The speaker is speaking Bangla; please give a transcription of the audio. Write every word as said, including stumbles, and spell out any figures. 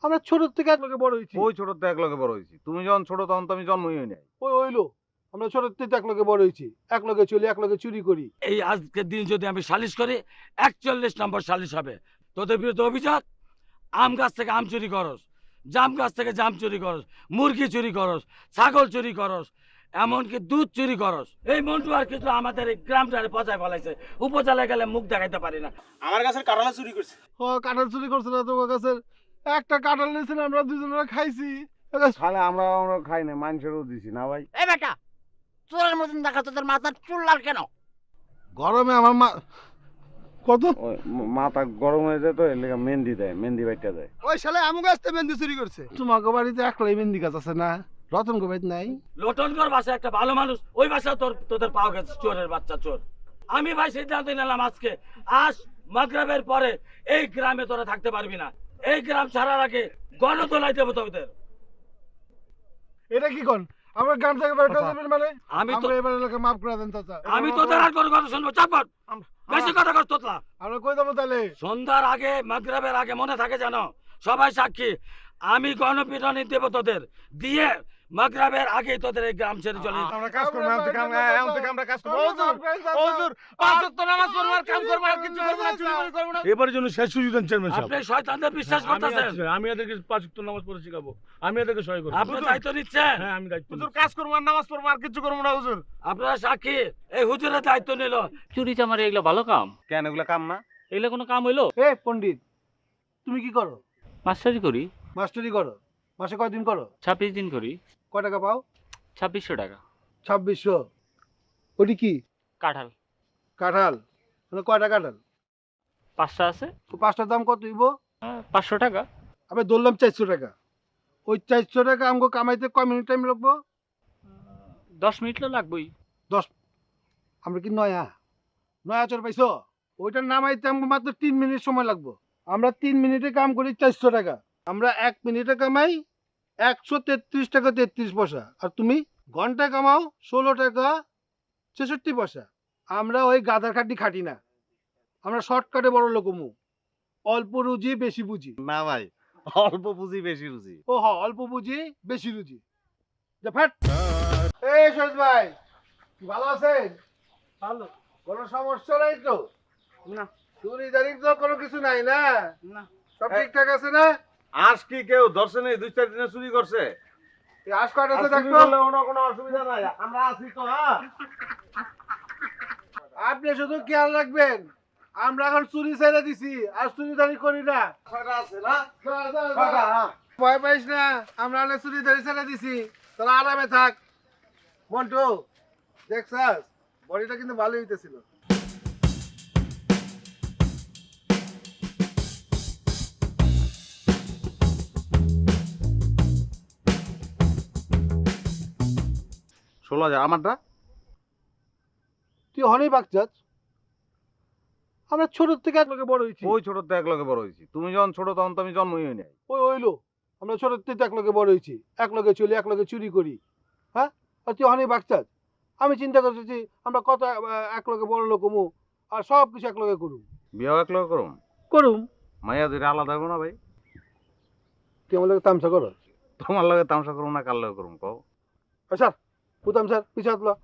আমরা ছোট থেকে এক লগে বড় হয়েছি। ওই ছোট থেকে এক লগে বড় হয়েছি। তুমি যখন ছোট তখন তো আমি জন্মই হই নাই। ওই হইলো আমরা ছোট থেকে এক লগে বড় হয়েছি, এক লগে চলি, এক লগে চুরি করি। এই আজকের দিন যদি আমি সালিশ করি একচল্লিশ নম্বর সালিশ হবে। তোদের বিরুদ্ধে অভিযোগ আম গাছ থেকে আম চুরি করস, জাম গাছ থেকে জাম চুরি করস, মুরগি চুরি করস, ছাগল চুরি করস, এমনকি দুধ চুরি করস। এই মন্টু আর কিছু আমাদের এই গ্রামটারে পচায় ফেলাইছে। উপজেলায় গেলে মুখ দেখাইতে পারি না। আমার গাছের কাঁঠাল চুরি করছে। ও কাঁঠাল চুরি করছে না তোমার কাছে? একটা কাঁঠাল নিয়েছিল, আমরা দুজনে খাইছি। খালে আমরা আমরা খাই না, মানুষেরও দিছি না ভাই। এই বেটা, চোরের মতন দেখা তোদের মাথার চুল লাল কেন? গরমে আমার মা কত ওই ম- মাথা গরম হয়ে যায় তো এর লেগে মেহেন্দি দেয়, মেহেন্দি বাইটা দেয়। ওই শালা আমু গাছ থেকে মেহেন্দি চুরি করছে। তোমাকে বাড়িতে একলাই মেহেন্দি গাছ আছে না? রতন গো বাড়িতে নাই? লটনগর বাসায় একটা ভালো মানুষ, ওই বাসা তোর তোদের পাওয়া গেছে চোরের বাচ্চা চোর। আমি ভাই সিদ্ধান্ত নিলাম আজকে আজ মাগরিবের পরে এই গ্রামে তোরা থাকতে পারবি না। এই গ্রাম ছাড়ার আগে গণতোলাই দেবো তোদের। এটা কি কোন? আমরা গ্রাম থেকে বের করে আচ্ছা। দেবেন মানে? আমি তো আমরা এবার এলাকা মাফ করে দেন চাচা। আমি তোদের আর কোনো কথা শুনবো, চাপ কর। বেশি কথা কর তোতলা। আমরা কই দেবো তাহলে? সন্ধ্যার আগে মাগরিবের আগে মনে থাকে জানো, সবাই সাক্ষী, আমি গণপিটনি দেবো তোদের দিয়ে মাগরিবের আগে তোদের এই গ্রাম ছেড়ে চলে যেতে। আমরা কাজ করবো, এখন থেকে আমরা এখন থেকে আমরা কাজ করবো। হুজুর, হুজুর, পাঁচ ওয়াক্ত নামাজ পড়বো আর কাম করবো আর কিছু করবো না, চুরি করে করবো না। এবারের জন্য শেষ সুযোগ দেন চেয়ারম্যান সাহেব। আপনি শয়তানদের বিশ্বাস আমি করতেছেন, আছি, আমি এদেরকে পাঁচ ওয়াক্ত নামাজ পড়ে শেখাবো, আমি এদেরকে সহায় করবো। আপনি দায়িত্ব নিচ্ছেন। হ্যাঁ আমি দায়িত্ব হুজুর নিচ্ছি। কাজ করবো আর নামাজ পড়বো আর কিছু করবো না হুজুর। আপনারা সাক্ষী, এই হুজুরের দায়িত্ব নিল। চুরি চামারি এগুলো ভালো কাম? কেন এগুলো কাম না? এগুলো কোনো কাম হইলো? এ পণ্ডিত, তুমি কি করো? মাস্টারি করি, মাস্টারি করো? মাসে কয়দিন করো? ছাব্বিশ দিন করি। কয় টাকা পাও? ছাব্বিশশো টাকা। ছাব্বিশশো। ওটি কি? কাঁঠাল কাঁঠাল? মানে কয়টা কাঁঠাল? পাঁচটা আছে। তো পাঁচটার দাম কত হইব? আহ, পাঁচশো টাকা। আমি ধরলাম চারশো টাকা। ওই চারশো টাকা আমাকে কামাইতে কয় মিনিট টাইম লাগবো? দশ মিনিট তো লাগবেই। দশ? আমরা কি নয়া নয়া চোর পাইছো? ওইটা নামাইতে আমাকে মাত্র তিন মিনিট সময় লাগবো। আমরা তিন মিনিটে কাম করি চারশো টাকা। আমরা এক মিনিটে কামাই একশো তেত্রিশ টাকা তেত্রিশ পয়সা। আর তুমি ঘন্টায় কামাও ষোলো টাকা ছেষট্টি পয়সা। আমরা ওই গাধার খাটি খাটি না, আমরা শর্টকাটে বড় লোকমু। অল্প রুজি বেশি বুঝি। না ভাই, অল্প পুঁজি বেশি রুজি। ও হ, অল্প বুঝি বেশি রুজি। যা ফ্যাট। এই শহীদ ভাই, ভালো আছেন? ভালো কোনো সমস্যা নাই তো? না। চুরি জারি তো কোনো কিছু নাই না? না। সব ঠিকঠাক আছে না? আজ কি কেউ দর্শনে দুই চার দিনে চুরি করছে? এই আশ কয়টা আছে আর চুরি দেখো? করলে কোনো কোনো অসুবিধা নাই, আমরা আছি তো। হ্যাঁ, আপনি শুধু খেয়াল রাখবেন, আমরা এখন চুরি ছেড়ে দিছি, আর চুরি দারি করি না। ছয়টা আছে না? যা, যা, যা। ছয়টা, হ্যাঁ। ভয় পাইস না, আমরা অনেক চুরি দারি ছেড়ে দিছি। তোরা আরামে থাক। মন্টু, দেখছাস বডিটা কিন্তু ভালোই হইতেছিল। ষোলো হাজার আমারটা। তুই হনেই বাগচাস। আমরা ছোট থেকে এক লগে বড় হয়েছি। ওই ছোট থেকে এক লগে বড় হয়েছি। তুমি যখন ছোট তখন তো আমি জন্মই হই নাই। ওই হইলো আমরা ছোট থেকে এক লগে বড় হয়েছি, এক লগে চলি, এক লগে চুরি করি। হ্যাঁ, আর তুই হনেই বাগচাস। আমি চিন্তা করতেছি আমরা কত আহ, এক লগে বড় লোক হমু, আর সব কিছু এক লগে করুম বিয়েও এক লগে করুম। করুম মাইয়া দুইটা আলাদা হবো না ভাই? তুই আমার লগে তামসা করো? তোমার লগে তামসা করুম না কার লগে করুম কও? স্যার পুতাম স্যার পিছাত লো।